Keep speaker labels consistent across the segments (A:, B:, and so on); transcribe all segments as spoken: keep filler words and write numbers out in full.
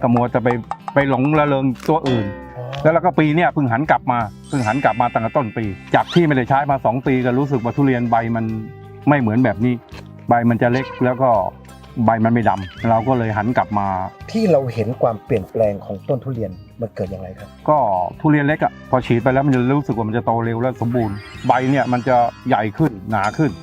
A: ก็มัวจะไปไปหลงระเริงตัวอื่นแล้วแล้วก็ปีเนี้ยเพิ่งหันกลับมาเพิ่งหันกลับมาตั้งแต่ต้นปีจากที่ไม่ได้ใช้มาสองปีก็รู้สึกว่าทุเรียนใบมันไม่เหมือนแบบนี้ใบมันจะเล็กแล้วก็ใบมันไม่ดำเราก็เลยหันกลับมา
B: ที่เราเห็นความเปลี่ยนแปลงของต้นทุเรียนมันเกิดอย่างไรครับ
A: ก็ทุเรียนเล็กอ่ะพอฉีดไปแล้วมันจะรู้สึกว่ามันจะโตเร็วและสมบูรณ์ใบเนี่ยมันจะใหญ่ขึ้นหนาขึ้น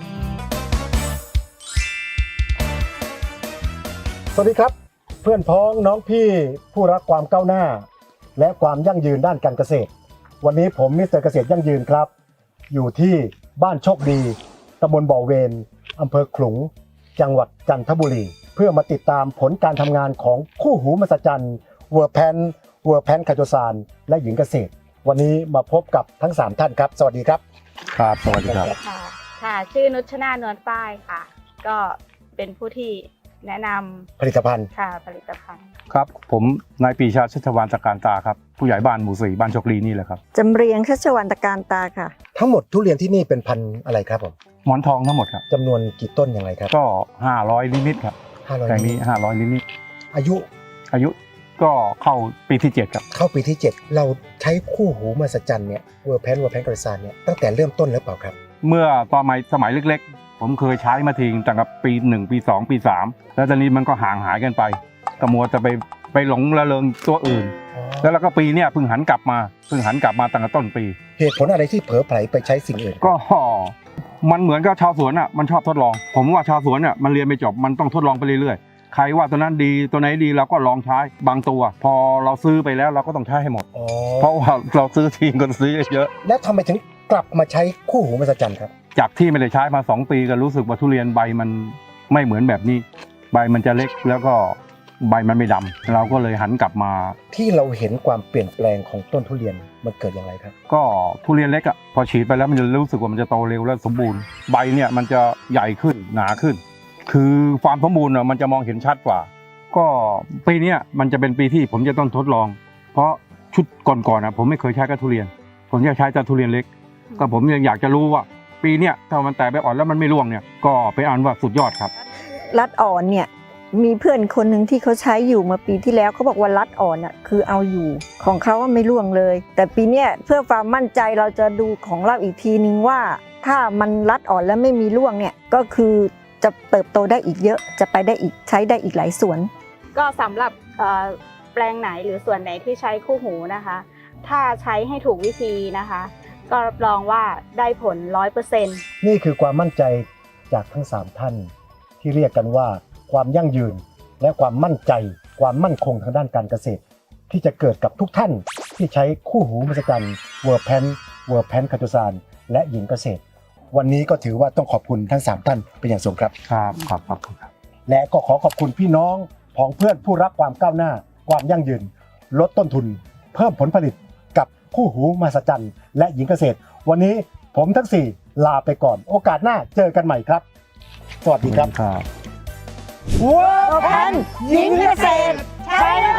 B: สวัสดีครับเพื่อนพ้องน้องพี่ผู้รักความก้าวหน้าและความยั่งยืนด้านการเกษตรวันนี้ผมมิสเตอร์เกษตรยั่งยืนครับอยู่ที่บ้านโชคดีตำบลบ่อเวนอำเภอขลุงจังหวัดจันทบุรีเพื่อมาติดตามผลการทำงานของคู่หูมหัศจรรย์เวอร์แพนเวอร์แพนคาโจซานและหญิงเกษตรวันนี้มาพบกับทั้งสามท่านครับสวัสดีครับ
A: ครับสวัสดีครับ
C: ค่ะค่ะชื่อนุชนานวลป้ายค่ะก็เป็นผู้ที่แนะนำ
B: ผลิตภัณฑ์
C: ค่ะผลิตภัณฑ์
A: ครับผมนายปรีชาชัชวานตะการตาครับผู้ใหญ่บ้านหมู่สี่บ้านโชคดีนี่แหละครับ
D: จำเรียงชัชวานตะการตาค่ะ
B: ทั้งหมดทุเรียนที่นี่เป็นพันธุ์อะไรครับผม
A: หมอนทองทั้งหมดครับ
B: จำนวนกี่ต้นอย่างไรครับ
A: ก็ห้าร้อยนิดๆครับ
B: ห้าร้อย
A: แต่นี้ห้าร้อยนิด
B: ๆอายุ
A: อายุก็เข้าปีที่เจ็ดครับ
B: เข้าปีที่เจ็ดเราใช้คู่หูมหัศจรรย์เนี่ยเวอร์แพนเวอร์แพนคาโจซานเนี่ยตั้งแต่เริ่มต้นหรือเปล่าครับ
A: เมื่อตอนสมัยเล็กๆผมเคยใช้มาทิ้งตั้งแต่ปีหนึ่งปีสองปีสามแล้วตอนนี้มันก็ห่างหายกันไปก็มัวจะไปไปหลงระเริงตัวอื่นแล้วแล้วก็ปีเนี้ยเพิ่งหันกลับมาเพิ่งหันกลับมาตั้งแต่ต้นปี
B: เหตุผลอะไรที่เผลอไผลไปใช้สิ่งอื่น
A: ก็มันเหมือนกับชาวสวนอ่ะมันชอบทดลองผมว่าชาวสวนอ่ะมันเรียนไม่จบมันต้องทดลองไปเรื่อยๆใครว่าตัวนั้นดีตัวไหนดีเราก็ลองใช้บางตัวพอเราซื้อไปแล้วเราก็ต้องใช้ให้หมดเพราะว่าเราซื้อทีก็ซื้อเยอะ
B: แล้วทำไมถึงกลับมาใช้คู่หูมหัศจรรย์ครับ
A: จากที่ไม่ได้ใช้มาสองปีก็รู้สึกว่าทุเรียนใบมันไม่เหมือนแบบนี้ใบมันจะเล็กแล้วก็ใบมันไม่ดำเราก็เลยหันกลับมา
B: ที่เราเห็นความเปลี่ยนแปลงของต้นทุเรียนมันเกิดอย่างไรครับ
A: ก็ทุเรียนเล็กอ่ะพอฉีดไปแล้วมันจะรู้สึกว่ามันจะโตเร็วและสมบูรณ์ใบเนี่ยมันจะใหญ่ขึ้นหนาขึ้นคือความสมบูรณ์อ่ะมันจะมองเห็นชัดกว่าก็ปีนี้มันจะเป็นปีที่ผมจะต้องทดลองเพราะชุดก่อนๆนะผมไม่เคยใช้กับทุเรียนผมจะใช้แต่ทุเรียนเล็กก็ผมยังอยากจะรู้ว่าปีเนี้ยถ้ามันแตกใบอ่อนแล้วมันไม่ร่วงเนี่ยก็ไปอ่านว่าสุดยอดครับ
D: รัดอ่อนเนี่ยมีเพื่อนคนหนึ่งที่เขาใช้อยู่มาปีที่แล้วเขาบอกว่ารัดอ่อนอ่ะคือเอาอยู่ของเขาว่าไม่ร่วงเลยแต่ปีเนี้ยเพื่อความมั่นใจเราจะดูของเราอีกทีนึงว่าถ้ามันรัดอ่อนแล้วไม่มีร่วงเนี่ยก็คือจะเติบโตได้อีกเยอะจะไปได้อีกใช้ได้อีกหลายสวน
C: ก็สำหรับแปลงไหนหรือส่วนไหนที่ใช้คู่หูนะคะถ้าใช้ให้ถูกวิธีนะคะก็รับรองว่าได้ผล ร้อยเปอร์เซ็นต์
B: นี่คือความมั่นใจจากทั้งสามท่านที่เรียกกันว่าความยั่งยืนและความมั่นใจความมั่นคงทางด้านการเกษตรที่จะเกิดกับทุกท่านที่ใช้คู่หูมหัศจรรย์เวอร์แพนเวอร์แพนคาโจซานและหญิงเกษตรวันนี้ก็ถือว่าต้องขอบคุณทั้งสามท่านเป็นอย่างสูงครับ
A: ครับครับขอบคุณครับ
B: และก็ขอขอบคุณพี่น้องพ้องเพื่อนผู้รักความก้าวหน้าความยั่งยืนลดต้นทุนเพิ่มผลผลิตกับคู่หูมหัศจรรย์และหญิงเกษตรวันนี้ผมทั้งสี่ลาไปก่อนโอกาสหน้าเจอกันใหม่ครับสวัสดีครับ
D: เวอร์แพนหญิงเกษตรใช้